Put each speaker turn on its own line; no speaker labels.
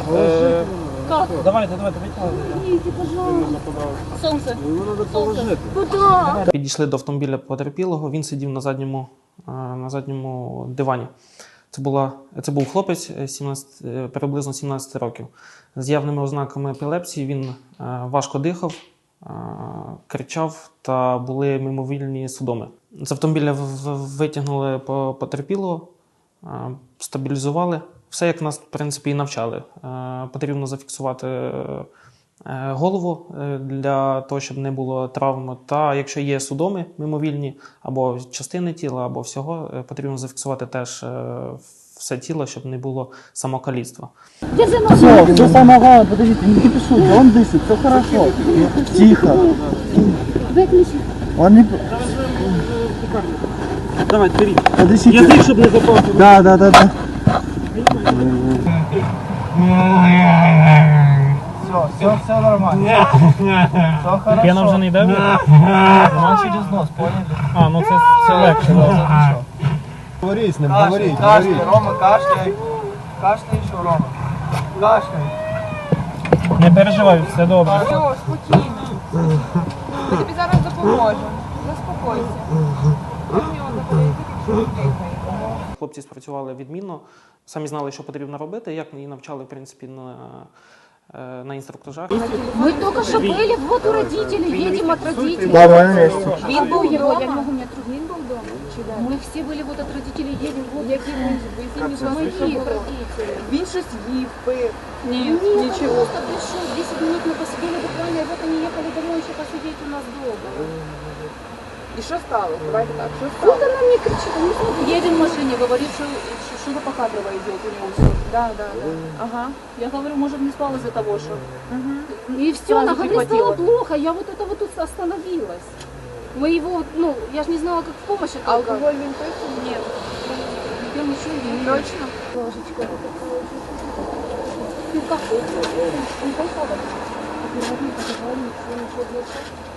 Как?
Давайте, витягуйте.
Идите, пожалуйста. Солнце. Солнце. Куда?
Підійшли до автомобіля потерпілого, він сидів на задньому дивані. Це був хлопець приблизно 17 років. З явними ознаками епілепсії він важко дихав, кричав та були мимовільні судоми. З автомобіля витягнули потерпілого, стабілізували. Все, як нас, в принципі, і навчали. Потрібно зафіксувати голову для того, щоб не було травм. Та якщо є судоми мимовільні, або частини тіла, або всього, потрібно зафіксувати теж все тіло, щоб не було самокаліцтва.
Все самое главное, подождите, не кипишуйте, он дышит, все хорошо. Тихо.
Выключи.
Он не...
Давай, беріть.
Подождите.
Язик, щоб не запав.
Да. Все нормально. Все хорошо.
Пена вже не йде?
Он через нос, поняли?
Ну це все легше.
Говори с ним, говори. Кашляй, Рома, кашляй. Кашляй еще, Рома. Кашляй.
Не переживай, все добре.
Все, спокійно. Ми тобі зараз допоможемо. Заспокойся. Ми в нього заходить, якщо не дихає.
Хлопці спрацювали відмінно, самі знали, що потрібно робити, як і навчали, в принципі, на інструктажах.
Мы только что были, вот у родителей, едем от родителей.
Да, мы на месте.
Він був дома. Я не могу, у меня трудно. Він був дома. Мы все были вот от родителей, едем. Вот які моих родителей.
Він щось їв, пив.
Нет, ничего. Просто пришел, 10 минут мы посидели буквально, и вот они ехали домой еще посидеть у нас дома.
І що стало? Давайте так, що
Вот
стало?
она мне кричит, он не смотрит. Едем в машине, говорит, что Покадрова идет у него все.
Да. Ага.
Я говорю, может, не спал из-за того, что...
Угу.
И все,
Сразу
она говорит,
прихватила.
стало плохо, я вот это вот тут остановилась. Мы его, я же не знала, как в помощь это.
Алкоголь він пив?
Нет. Я ничего не
Точно?
Ложечка. Ну как? Не пойдет. Переводник, ничего, ничего,